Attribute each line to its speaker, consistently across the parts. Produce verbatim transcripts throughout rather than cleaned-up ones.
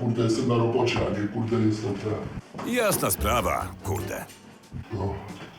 Speaker 1: kurde, jestem na robocie, a nie, kurde, jestem ten.
Speaker 2: Jasna sprawa, kurde.
Speaker 1: No.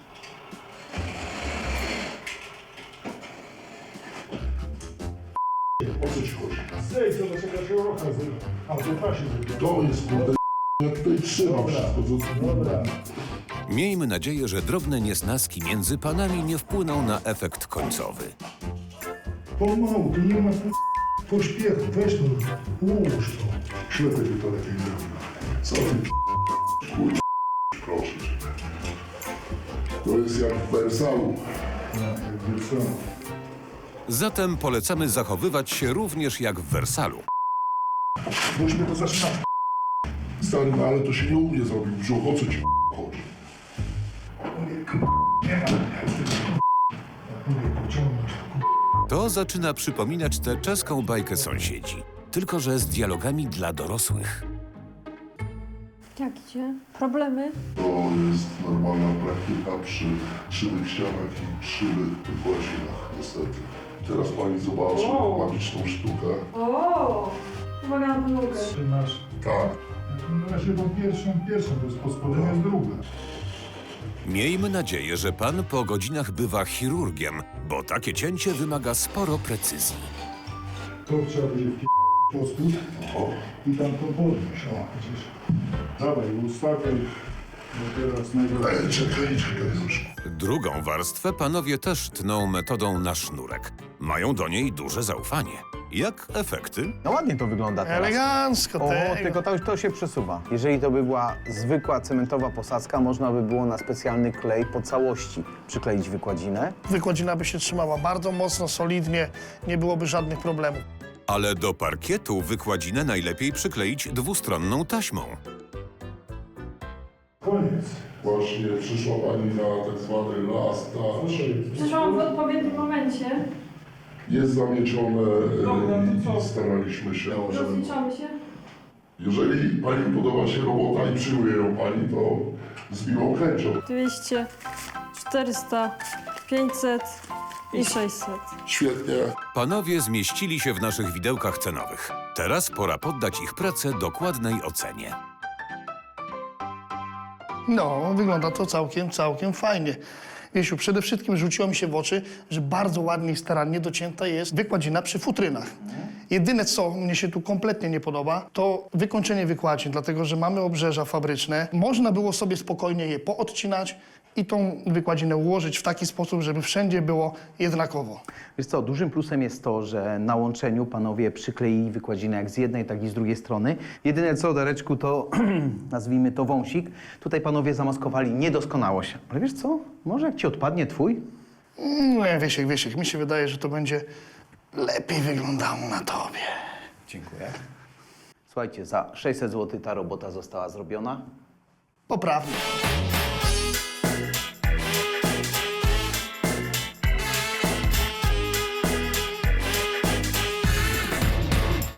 Speaker 1: O co ci chodzi?
Speaker 3: Zejdź, zobacz jaka się rocha zrobiła. A to pasie zrobiła.
Speaker 1: To jest, kurde, ja tutaj trzymam wszystko, co...
Speaker 3: Dobra.
Speaker 2: Miejmy nadzieję, że drobne niesnaski między panami nie wpłyną na efekt końcowy.
Speaker 3: Pomału, tu nie ma pośpiechu. Weź to, ułóż to.
Speaker 1: Ślepy by to lepiej zrobił. Co ty, kurde, proszę cię. To jest jak w Wersalu.
Speaker 3: Ja, jak wiesz,
Speaker 2: Zatem polecamy zachowywać się również jak w Wersalu.
Speaker 3: boś mnie to zaczyna.
Speaker 1: Stary, no ale to się nie u mnie zrobił. Brzuch, o co ci chodzi?
Speaker 3: Mówię, k***, nie ma. Mówię, pociągnąć to,
Speaker 2: To zaczyna przypominać tę czeską bajkę sąsiedzi, tylko że z dialogami dla dorosłych.
Speaker 4: Jak idzie? Problemy?
Speaker 1: To jest normalna praktyka przy krzywych ścianach i krzywych wykładzinach, niestety. Teraz pani zobaczy
Speaker 4: Wow.
Speaker 1: magiczną sztukę.
Speaker 4: O, uwaga na podłogę.
Speaker 3: Ty masz.
Speaker 1: Tak.
Speaker 3: Na razie tą pierwszą, pierwszą, to jest pod spodem jest druga.
Speaker 2: Miejmy nadzieję, że pan po godzinach bywa chirurgiem, bo takie cięcie wymaga sporo precyzji.
Speaker 3: To trzeba będzie w po spód
Speaker 1: O,
Speaker 3: i tam to podnieść. O, widzisz. Dawaj, ustawiaj. Bo teraz najgorzej.
Speaker 1: ej, czekaj, czekaj już.
Speaker 2: Drugą warstwę panowie też tną metodą na sznurek. Mają do niej duże zaufanie. Jak efekty?
Speaker 5: No ładnie to wygląda teraz.
Speaker 6: Elegancko,
Speaker 5: O,
Speaker 6: tego.
Speaker 5: tylko to, to się przesuwa. Jeżeli to by była zwykła cementowa posadzka, można by było na specjalny klej po całości przykleić wykładzinę.
Speaker 6: Wykładzina by się trzymała bardzo mocno, solidnie, nie byłoby żadnych problemów.
Speaker 2: Ale do parkietu wykładzinę najlepiej przykleić dwustronną taśmą.
Speaker 3: Koniec.
Speaker 1: Właśnie przyszła pani na tak zwany last touch.
Speaker 4: Przyszłam w odpowiednim momencie.
Speaker 1: Jest zamiecione
Speaker 3: Dobra,
Speaker 1: e,
Speaker 3: to co?
Speaker 1: i staraliśmy się, żeby...
Speaker 4: Rozliczamy się.
Speaker 1: Jeżeli pani podoba się robota i przyjmuje ją pani, to z miłą chęcią.
Speaker 4: dwieście, czterysta, pięćset i sześćset.
Speaker 1: Świetnie.
Speaker 2: Panowie zmieścili się w naszych widełkach cenowych. Teraz pora poddać ich pracę dokładnej ocenie.
Speaker 6: No, wygląda to całkiem, całkiem fajnie. Wiesiu, przede wszystkim rzuciło mi się w oczy, że bardzo ładnie i starannie docięta jest wykładzina przy futrynach. Jedyne, co mnie się tu kompletnie nie podoba, to wykończenie wykładzin, dlatego że mamy obrzeża fabryczne. Można było sobie spokojnie je poodcinać i tą wykładzinę ułożyć w taki sposób, żeby wszędzie było jednakowo.
Speaker 5: Wiesz co, dużym plusem jest to, że na łączeniu panowie przykleili wykładzinę jak z jednej, tak i z drugiej strony. Jedyne co, Dareczku, to nazwijmy to wąsik. Tutaj panowie zamaskowali niedoskonałość. Ale wiesz co, może jak ci odpadnie twój?
Speaker 6: Nie, Wiesiek, Wiesiek, mi się wydaje, że to będzie lepiej wyglądało na tobie.
Speaker 5: Dziękuję. Słuchajcie, za sześćset złotych ta robota została zrobiona.
Speaker 6: Poprawnie.